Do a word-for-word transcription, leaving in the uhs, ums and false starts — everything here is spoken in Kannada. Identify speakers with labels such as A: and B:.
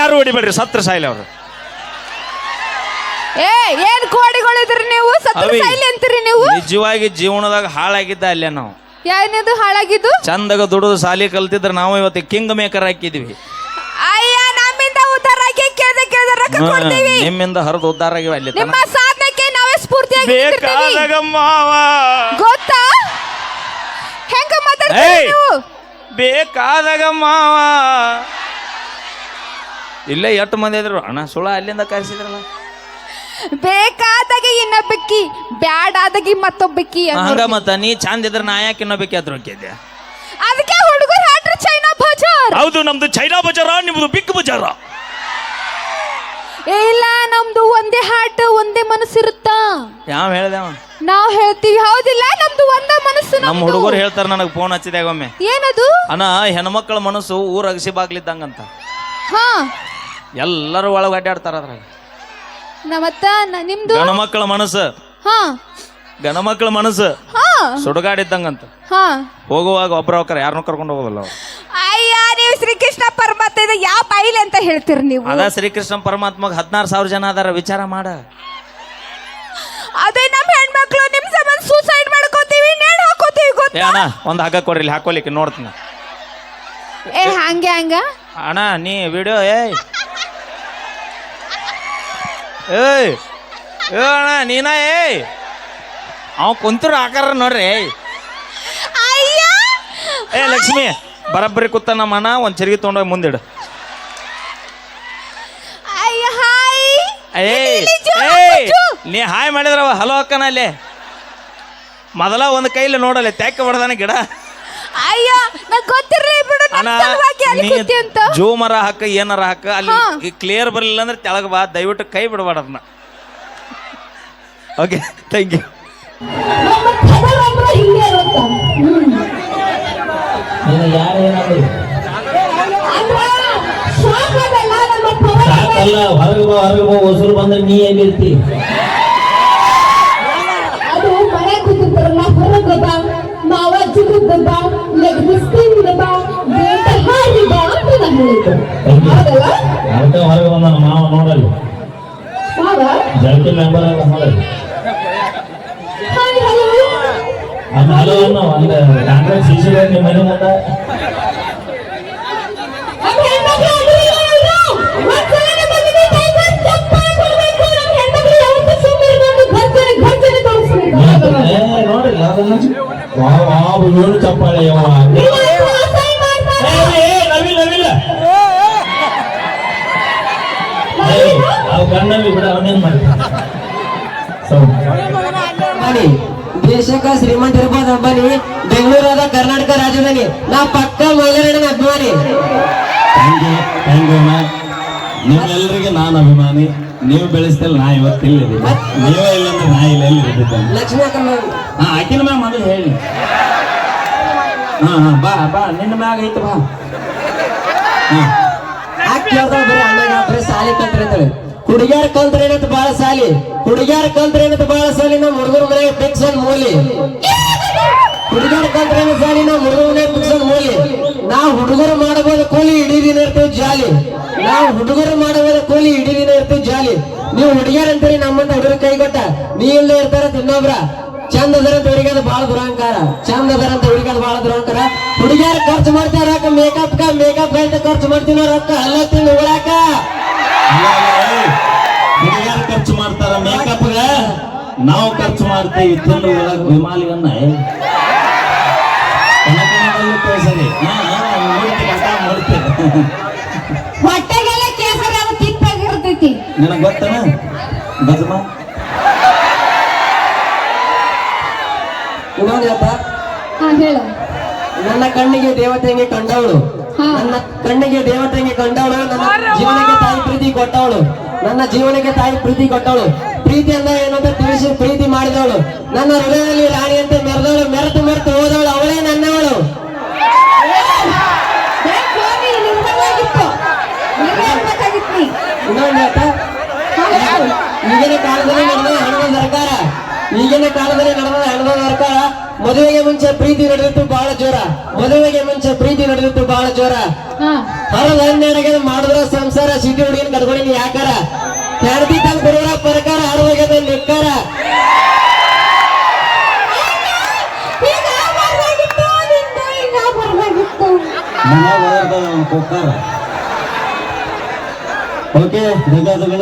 A: ಯಾರು ಹೊಡಿಬೇಡ್ರಿ, ಸತ್ರ ಸಾಯಿಲ್ ಅವ್ರು.
B: ಏ ಏನ್ ಕೋಡಿಗಳಿದ್ರಿ ನೀವು, ಸತ್ರ ಸಾಯಿಲಿ ಅಂತೀರಿ ನೀವು?
A: ನಿಜವಾಗಿ ಜೀವನದಾಗ ಹಾಳಾಗಿದ್ದ ಅಲ್ಲೇ ನಾವು.
B: ಏನಿದು ಹಾಳಾಗಿದ್ದು?
A: ಚಂದಾಗ ದುಡಿದು ಸಾಲಿ ಕಲ್ತಿದ್ರೆ ನಾವು ಇವತ್ತು ಕಿಂಗ್ ಮೇಕರ್ ಹಾಕಿದ್ವಿ.
B: ಅಯ್ಯ ನಮ್ಮಿಂದ ಉದ್ಧಾರ ಆಗಿ ಕೇಳ್ದೆ ಕೇಳ್ದೆ ರೊಕ್ಕ ಕೊಡ್ತೀವಿ.
A: ನಿಮ್ಮಿಂದ ಹರಿದು ಉದ್ಧಾರ ಆಗಿವೆ ಅಲ್ಲಿ.
B: ನಿಮ್ಮ ಸಾಧನೆಗೆ ನಾವೇ ಸ್ಫೂರ್ತಿಯಾಗಿ
A: ಬೇಕಾದಾಗ ಮಾವ
B: ಗೊತ್ತಾ ಹೆಂಗ ಮಾತಾಡ್ತೀರಿ ನೀವು?
A: ಬೇಕಾದಾಗ ಮಾವ ಇಲ್ಲೇ ಎಷ್ಟು ಮಂದಿ ಇದ್ರು ಅಣ್ಣ ಸುಳ ಅಲ್ಲಿಂದ ಕರೆಸಿದ್ರಲ್ಲ.
B: ಬೇಕಾದಾಗ ಇನ್ನೊಬ್ಬಕ್ಕಿ, ಬ್ಯಾಡಾದಾಗಿ ಮತ್ತೊಬ್ಬಕ್ಕಿ
A: ಹಂಗ ಮತ್ತ ನೀ ಚಂದ ಇದ್ರ ನಾ ಯಾಕೆ ಇನ್ನೊಬ್ಬಕ್ಕಿ ಅದ್ರ ಹೋಗಿದ್ದೆ?
B: ಅದಕ್ಕೆ ಹುಡುಗರು ಹಾಟ್ರಿ ಚೈನಾ ಬಜಾರ್.
A: ಹೌದು, ನಮ್ದು ಚೈನಾ ಬಜಾರ, ನಿಮ್ದು ಬಿಗ್ ಬಜಾರ.
B: ಇಲ್ಲ, ನಮ್ದು ಒಂದೇ ಹಾಟ್ ಒಂದೇ ಮನಸ್ಸಿರುತ್ತ.
A: ಯಾವ ಹೇಳ್ದೆ
B: ನಾವ್ ಹೇಳ್ತೀವಿ, ಹೌದಿಲ್ಲ? ನಮ್ದು ಒಂದೇ ಮನಸ್ಸು.
A: ನಮ್ಮ ಹುಡುಗರು ಹೇಳ್ತಾರ, ನನಗೆ ಫೋನ್ ಹಚ್ಚಿದಾಗ ಒಮ್ಮೆ,
B: ಏನದು
A: ಅಣ್ಣ ಹೆಣ್ಮಕ್ಳ ಮನಸ್ಸು ಊರ ಅಗಸಿ ಬಾಗ್ಲಿದ್ದಂಗಂತ.
B: ಹಾ,
A: ಎಲ್ಲರೂ ಒಳಗೆ ಅಡ್ಡಾಡ್ತಾರ ಅದ್ರಾಗ.
B: ನಮ್ಮತ್ತ ನಿಮ್ದು
A: ಗಣಮಕ್ಳ ಮನಸ್ಸು,
B: ಹಾ
A: ಗಣಮಕ್ಳ ಮನಸ್ಸು
B: ಹಾ
A: ಸುಡುಗಾಡಿದ್ದಂಗಂತ.
B: ಹಾ,
A: ಹೋಗುವಾಗ ಒಬ್ರ ಹೋಗ್ತಾರ, ಯಾರನ್ನೂ ಕರ್ಕೊಂಡು ಹೋಗೋದಿಲ್ಲ ಅವ್ರು.
B: ಅಯ್ಯ, ನೀವು ಶ್ರೀಕೃಷ್ಣ ಪರಮಾತ್ಮ ಯಾವ ಬಾಯಿಲೆ ಅಂತ ಹೇಳ್ತೀರಿ ನೀವು?
A: ಅದ ಶ್ರೀಕೃಷ್ಣ ಪರಮಾತ್ಮಗೆ ಹದಿನಾರು ಸಾವಿರ ಜನ ಅದಾರ, ವಿಚಾರ ಮಾಡ.
B: ಅದೇ ನಮ್ಮ ಹೆಣ್ಮಕ್ಳು ನಿಮ್ ಸಂಬಂಧ ಸೂಸೈಡ್ ಮಾಡ್ಕೋತೀವಿ, ನೇಣು ಹಾಕೋತೀವಿ
A: ಏ
B: ಗೊತ್ತಾ?
A: ಅಣ್ಣ ಒಂದು ಹಾಕ ಕೊಡ್ರಿ, ಇಲ್ಲಿ ಹಾಕೋಲಿಕ್ಕೆ ನೋಡ್ತೀನಿ.
B: ಏ ಹಂಗೆ ಹಂಗ
A: ಅಣ್ಣ ನೀ ವಿಡಿಯೋ ಏಯ್ ಏಯ್ ಏ ಅಣ್ಣ ನೀನ ಏಯ್ ಅವ್ ಕುಂತಿರೋ ಆಕಾರ ನೋಡ್ರಿ.
B: ಅಯ್ಯ
A: ಏ ಲಕ್ಷ್ಮಿ ಬರಬ್ಬರಿ ಕೂತ ನಮ್ಮ ಅಣ್ಣ ಒಂದು ಚರಿಗೆ ತೊಗೊಂಡೋಗಿ ಮುಂದಿಡು.
B: ಅಯ್ಯ ಹಾಯ್.
A: ಏಯ್ ಏಯ್ ನೀ ಹಾಯ್ ಮಾಡಿದ್ರವ ಹಲೋ ಅಕ್ಕನ ಅಲ್ಲೇ ಮೊದಲ ಒಂದು ಕೈಲಿ ನೋಡಲ್ಲ ತ್ಯಾಕ ಹೊಡೆದಾನ ಗಿಡ.
B: ಅಯ್ಯ ನಂಗೆ ಗೊತ್ತಿರ್ಲಿ ಬಿಡು, ನನ್ನ ಸಲುವಾಗಿ ಅಲ್ಲಿ ಕೂತಿ ಅಂತ.
A: ಜೂಮರ ಹಾಕ ಏನಾರ ಹಾಕ, ಅಲ್ಲಿ ಕ್ಲಿಯರ್ ಬರಲಿಲ್ಲ ಅಂದ್ರೆ ತೆಳಗ ಬಾ, ದಯವಿಟ್ಟು ಕೈ ಬಿಡಬೇಡ ಅದನ್ನ. Okay, thank you.
C: ಸಾಕಲ್ಲ, ಹೊರಗೆ ಬಾ ಹೊರಗೆ ಬಾ, ಹೊಸರು ಬಂದ್ರೆ ನೀ ಎಲ್ಲಿರ್ತಿ?
D: ಅದು ಮನೆ ಕೂತಿರ್ತಾರಲ್ಲ, ಹೊರಗೆ ಬಾ, ಮಾವ ಚಿಕ್ಕದ ಬಾ, ಲೆಗ್ಬಿಸ್ತಿಂದ ಬಾ, ಬೇಟ ಹಾರಿ ಬಾ ಅಂತ ನಾನು ಹೇಳಿದ್ದು. ಹೌದಲ್ಲ?
C: ಅದಕ್ಕೆ ಹೊರಗೆ ಬಂದ ಮಾವ ನೋಡಲ್ಲಿ,
D: ಮಾವ
C: ಜಲ್ಟಿ ಮೆಂಬರ್ ಎಲ್ಲ ನೋಡಲ್ಲಿ.
D: ಹಾಯ್ ಹಲೋ
C: ಅದು ಹಲೋ ಅನ್ನೋ ಒಂದು ಕಾಂಗ್ರೆಸ್ ಶಿಶು ನಿಮ್ಮ ಮನೆ ಮುಂದೆ
D: ನಮ್ಮ ಹೆಣ್ಮಕ್ಳು ಅದು ಇಲ್ಲ ಒಂದ್ಸಲ ಬಂದಿದೆ ಟೈಗರ್ ಚಪ್ಪಾಳೆ ಕೊಡ್ಬೇಕು. ನಮ್ಮ ಹೆಣ್ಮಕ್ಳು ಯಾವತ್ತೂ ಸುಮ್ಮನೆ ಬಂದು ಗರ್ಜನೆ ಗರ್ಜನೆ ತೋರಿಸ್ಬೇಕು.
C: ನೋಡಿಲ್ಲ ಅದನ್ನ ವಾ ವಾ ಏನು ಚಪ್ಪಾಳೆ ಯವ್ವ. ನವಿಲ್ ನವಿಲ್ ಅವು ಕಣ್ಣಲ್ಲಿ ಬಿಡ ಅವನೇನ್ ಮಾಡ್ತಾನೆ.
E: ದೇಶಕ್ಕ ಶ್ರೀಮಂತ ಇರ್ಬೋದು ಅಂಬಾನಿ, ಬೆಂಗಳೂರು ಅದ ಕರ್ನಾಟಕ ರಾಜಧಾನಿ, ನಾ ಪಕ್ಕ ಮೈಲಾರಣ್ಣನ ಅಭಿಮಾನಿ.
C: ಥ್ಯಾಂಕ್ ಯು ಥ್ಯಾಂಕ್ ಯು ಅಣ್ಣ. ನಿಮ್ಮೆಲ್ಲರಿಗೆ ನಾನು ಅಭಿಮಾನಿ. ನೀವು ಬೆಳೆಸ್ತಲ್ಲ ನಾ ಇವತ್ತಿಲ್ಲ, ನೀವೇ ಇಲ್ಲ ಅಂದ್ರೆ ನಾ ಇಲ್ಲ ಎಲ್ಲಿ ಇರ್ತಿದ್ದೆ.
E: ಲಕ್ಷ್ಮಿ ಅಕ್ಕ
C: ಹಾ ಆಕಿನ ಮ್ಯಾಗ ಮೊದಲು ಹೇಳಿ. ಹಾ ಹಾ ಬಾ ಬಾ ನಿನ್ನ ಮ್ಯಾಗ ಐತೆ ಬಾ.
E: ಆಕ್ ಕೇಳ್ತಾಳ ಬರೀ ಅಣ್ಣಗ ಬರೀ ಸಾಲಿ ಕಲ್ತ್ರಿ, ಹುಡುಗ್ಯಾರ ಕಲ್ತ್ರ ಏನಂತ ಬಾಳ ಸಾಲಿ, ಹುಡುಗ್ಯಾರ ಕಲ್ತ್ರ ಏನಂತ ಬಾಳ ಸಾಲಿ, ನಮ್ಮ ಹುಡುಗರ ಮನೆ ಫಿಕ್ಸ್ ಒಂದ್ ಮೂಲಿ. ಹುಡುಗ್ಯಾರ ಕಲ್ತ್ರ ಏನ ಸಾಲಿ, ನಮ್ಮ ಹುಡುಗರ ಮನೆ ಫಿಕ್ಸ್ ಒಂದ್ ಮೂಲಿ. ನಾವು ಹುಡುಗರು ಮಾಡಬಹುದು ಕೂಲಿ, ಇಡೀ ದಿನ ಇರ್ತೀವಿ ಜಾಲಿ. ನಾವು ಹುಡುಗರು ಮಾಡಬಹುದು ಕೂಲಿ, ಇಡೀ ದಿನ ಇರ್ತೀವಿ ಜಾಲಿ. ನೀವು ಹುಡುಗ್ಯಾರ ಅಂತೀರಿ ನಮ್ಮಂತ ಹುಡುಗರ ಕೈ ಕೊಟ್ಟ, ನೀ ಇಲ್ಲದೆ ಇರ್ತಾರ ಇನ್ನೊಬ್ರ. ಚಂದ ಅದರಂತ ಹುಡುಗಿಯದ ಬಾಳ ದುರಂಕಾರ, ಚಂದ ಅದರಂತ ಹುಡುಗಿಯದ ಬಾಳ ದುರಂಕಾರ. ಹುಡುಗಿಯರ ಖರ್ಚು ಮಾಡ್ತಾರ ರೊಕ್ಕ, ಮೇಕಪ್ ಕ ಮೇಕಪ್ ಅಂತ ಖರ್ಚು ಮಾಡ್ತೀವಿ ರೊಕ್ಕ, ಅಲ್ಲ ತಿಂದು ಉಳಾಕ.
C: ಹುಡುಗಿಯರು ಖರ್ಚು ಮಾಡ್ತಾರ ಮೇಕಪ್ಗ, ನಾವು ಖರ್ಚು ಮಾಡ್ತೀವಿ ತಿಂದು ಒಳಗೆ ವಿಮಾಲಿಗನ್ನ ಸರಿ
D: ಹೊಟ್ಟೆಗೆಲ್ಲ ಕೇಸರಿ ಅದು ತಿಪ್ಪಾಗಿರ್ತೈತಿ.
C: ನಿನಗೆ ಗೊತ್ತನ ಗಜಮ
E: ಇನ್ನೊಂದು ಹೇಳ್ತಾ,
D: ಹಾ ಹೇಳು.
E: ನನ್ನ ಕಣ್ಣಿಗೆ ದೇವತೆಗೆ ಕಂಡವಳು, ನನ್ನ ಕಣ್ಣಿಗೆ ದೇವತೆಗೆ ಕಂಡವಳು, ನನ್ನ ಜೀವನಕ್ಕೆ ತಾಯಿ ಪ್ರೀತಿ ಕೊಟ್ಟವಳು, ನನ್ನ ಜೀವನಕ್ಕೆ ತಾಯಿ ಪ್ರೀತಿ ಕೊಟ್ಟವಳು. ಪ್ರೀತಿ ಅಂದ್ರೆ ಏನಂತ ತಿಳಿಸಿ ಪ್ರೀತಿ ಮಾಡಿದವಳು, ನನ್ನ ಹೃದಯದಲ್ಲಿ ರಾಣಿಯಂತೆ ಮೆರೆದವಳು, ಮೆರೆತು ಮೆರೆತು ಹೋದವಳು, ಅವಳೇ ನನ್ನವಳು. ಇನ್ನೊಂದು ಹೇಳ್ತಾ, ಈಗಿನ ಕಾಲದಲ್ಲಿ ನಡೆದ ಹಣದ ಸರ್ಕಾರ, ಈಗ ಈಗಿನ ಕಾಲದಲ್ಲಿ ನಡೆದ ಹೆಣದ ಸರ್ಕಾರ ಮದುವೆಗೆ ಮುಂಚೆ ಪ್ರೀತಿ ನಡೆದಿತ್ತು ಬಹಳ ಜೋರ ಮದುವೆಗೆ ಮುಂಚೆ ಪ್ರೀತಿ ನಡೆದಿತ್ತು ಬಹಳ ಜೋರ ಹರದ ಹನ್ನೆರಡಿಗೆ ಮಾಡಿದ್ರ ಸಂಸಾರ ಸಿಟಿ ಹುಡುಗಿನ ಕಟ್ಕೊಂಡಿನಿ ಯಾಕಾರ ಹೆಂಡತಿ ತಂದು ಬರೋರ ಪ್ರಕಾರ ಹರವಾಗ್ಯದ ನಿಕ್ಕಾರ
C: ಮನ್ಯಾಗ ಕುಕ್ಕರ್ ಓಕೆ ಧನ್ಯವಾದಗಳು.